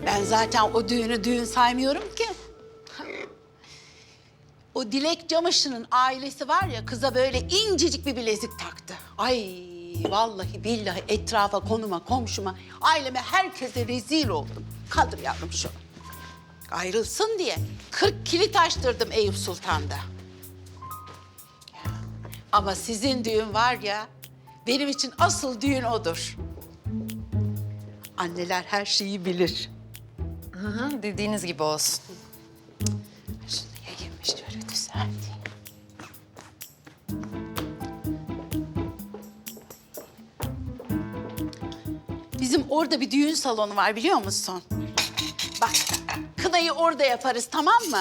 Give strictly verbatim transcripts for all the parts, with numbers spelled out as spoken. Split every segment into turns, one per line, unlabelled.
Ben zaten o düğünü düğün saymıyorum ki. O Dilek Camış'ın ailesi var ya, kıza böyle incecik bir bilezik taktı. Ay vallahi billahi etrafa, konuma, komşuma, aileme, herkese rezil oldum. Kaldır yavrum şunu. Ayrılsın diye kırk kilit açtırdım Eyüp Sultan'da. Ama sizin düğün var ya, benim için asıl düğün odur. Anneler her şeyi bilir.
Hı hı, dediğiniz gibi olsun.
Şunu yayayım, şöyle düzelteyim. Bizim orada bir düğün salonu var, biliyor musun? Bak, kınayı orada yaparız, tamam mı?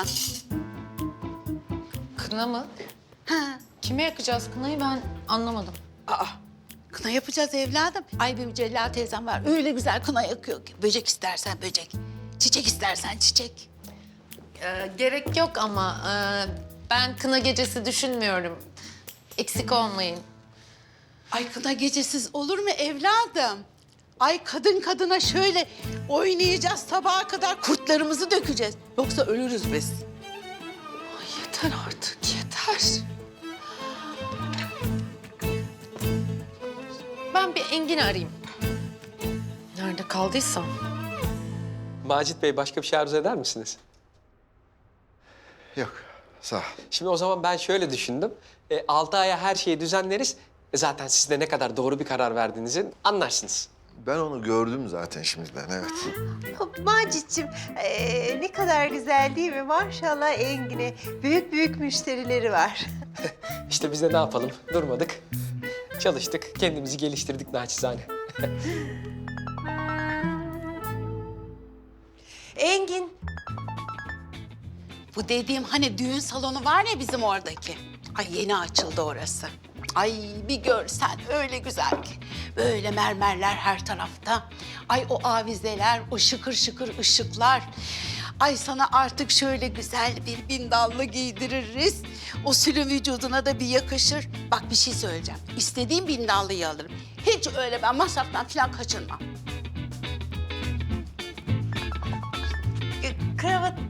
Kına mı?
Ha.
Kime yakacağız kınayı ben anlamadım.
Aa, kına yapacağız evladım. Ay benim Celal teyzem var, öyle güzel kına yakıyor ki. Böcek istersen böcek, çiçek istersen çiçek.
Ee, gerek yok ama e, ben kına gecesi düşünmüyorum. Eksik olmayın.
Ay kına gecesiz olur mu evladım? Ay kadın kadına şöyle oynayacağız sabaha kadar, kurtlarımızı dökeceğiz. Yoksa ölürüz biz. Ay yeter artık, yeter.
Ben bir Engin'i arayayım. Nerede kaldıysam.
Macit Bey, başka bir şey arzu eder misiniz?
Yok, sağ ol.
Şimdi o zaman ben şöyle düşündüm. E, altı aya her şeyi düzenleriz. E, zaten siz de ne kadar doğru bir karar verdiğinizi anlarsınız.
Ben onu gördüm zaten şimdiden, evet.
Macit'ciğim ee, ne kadar güzel değil mi? Maşallah Engin'e büyük büyük müşterileri var.
İşte biz de ne yapalım? Durmadık. Çalıştık, kendimizi geliştirdik naçizane.
Engin,
Bu dediğim hani düğün salonu var ya bizim oradaki. Ay yeni açıldı orası. Ay bir görsen öyle güzel ki. Böyle mermerler her tarafta. Ay o avizeler, o şıkır şıkır ışıklar. Ay sana artık şöyle güzel bir bindallı giydiririz. O sülün vücuduna da bir yakışır. Bak bir şey söyleyeceğim. İstediğim bindallıyı alırım. Hiç öyle ben masraftan falan kaçınmam.
e, kravatın...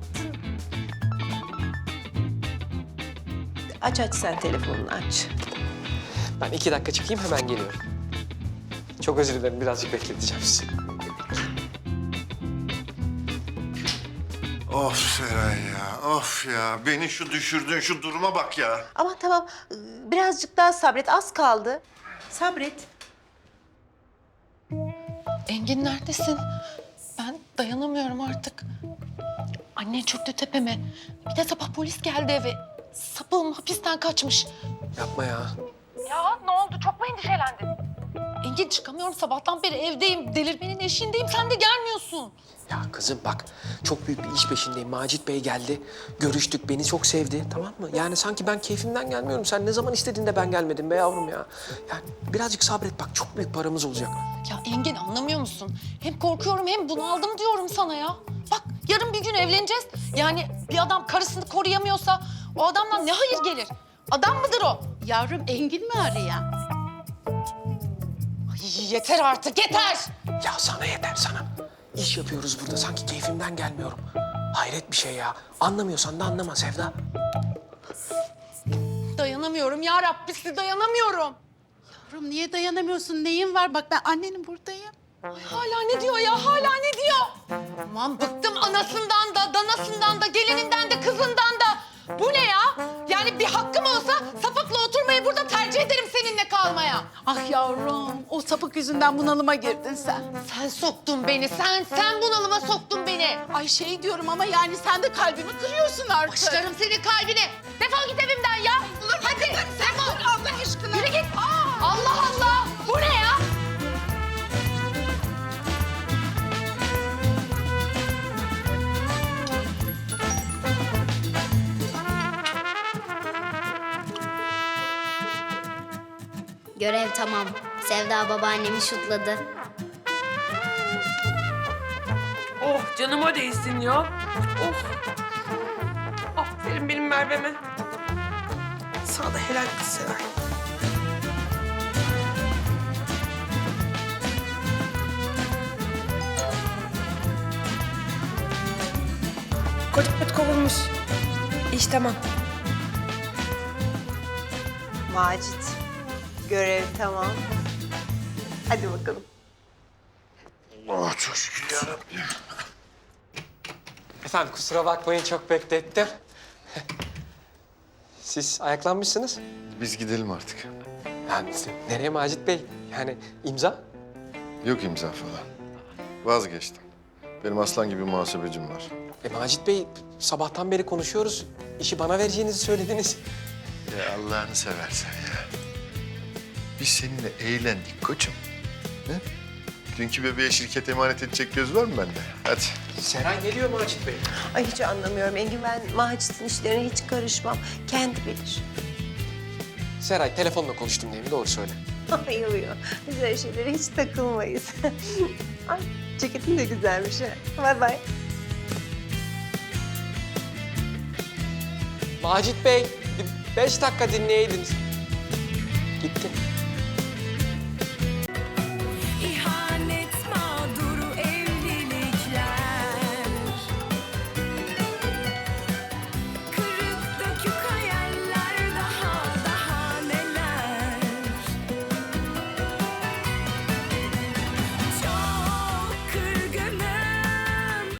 Aç aç sen telefonunu aç.
Ben iki dakika çıkayım, hemen geliyorum. Çok özür dilerim, birazcık bekleteceğim sizi.
Of Seray ya, of ya. Beni şu düşürdüğün şu duruma bak ya.
Ama tamam ee, birazcık daha sabret, az kaldı. Sabret.
Engin neredesin? Ben dayanamıyorum artık. Annen çöktü tepeme. Bir de sabah polis geldi eve. Sapığım hapisten kaçmış.
Yapma ya.
Ya ne oldu? Çok mu endişelendin? Engin çıkamıyorum. Sabahtan beri evdeyim. Delirmenin eşiğindeyim. Sen de gelmiyorsun.
Ya kızım bak, çok büyük bir iş peşindeyim. Macit Bey geldi, görüştük, beni çok sevdi, tamam mı? Yani sanki ben keyfimden gelmiyorum. Sen ne zaman istediğinde ben gelmedim be yavrum ya. Yani birazcık sabret bak, çok büyük paramız olacak.
Ya Engin anlamıyor musun? Hem korkuyorum hem bunaldım diyorum sana ya. Bak yarın bir gün evleneceğiz. Yani bir adam karısını koruyamıyorsa o adamdan ne hayır gelir? Adam mıdır o?
Yavrum Engin mi arayan?
Ay, yeter artık yeter.
Ya sana yeter sana. İş yapıyoruz burada, sanki keyfimden gelmiyorum. Hayret bir şey ya. Anlamıyorsan da anlama Sevda.
Dayanamıyorum ya Rabbisi dayanamıyorum.
Yavrum niye dayanamıyorsun? Neyin var? Bak ben annenin buradayım.
Ay, hala ne diyor ya hala ne diyor? Aman bıktım anasından da danasından da gelininden de kızından da. Bu ne ya? Yani bir hakkım olsa sapıkla oturmayı burada tercih ederim seninle kalmaya.
Ah yavrum, o sapık yüzünden bunalıma girdin sen.
Sen soktun beni, sen, sen bunalıma soktun beni.
Ay şey diyorum ama yani sen de kalbimi kırıyorsun artık.
Başlarım senin kalbine. Defol git evimden ya. Hadi, defol.
Allah aşkına.
Yürü git. Allah Allah. Bu ne ya?
Görev tamam. Sevda babaannemi şutladı.
Oh canıma değsin ya. Oh. Aferin benim Merve'me. Sana da helal kız Seray. Koca kovulmuş. İş tamam.
Macit, görev tamam. Hadi bakalım.
Oh çok şükür yarabbim.
Efendim kusura bakmayın çok beklettim. Siz ayaklanmışsınız.
Biz gidelim artık.
Yani nereye Macit Bey? Yani imza?
Yok imza falan. Vazgeçtim. Benim aslan gibi muhasebecim var.
E Macit Bey sabahtan beri konuşuyoruz. İşi bana vereceğinizi söylediniz.
Ya Allah'ını seversen ya. Biz seninle eğlendik koçum. Ne? Dünkü bebeğe şirket emanet edecek göz var mı bende? Hadi.
Seray geliyor Macit Bey.
Ay hiç anlamıyorum Engin. Ben Macit'in işlerine hiç karışmam. Kendi bilir.
Seray telefonla konuştum diye mi? Doğru söyle.
Ay uyuyor. Biz öyle şeylere hiç takılmayız. Ay ceketin de güzelmiş ha. Bay bay.
Macit Bey bir beş dakika dinleyeydiniz. Gitti.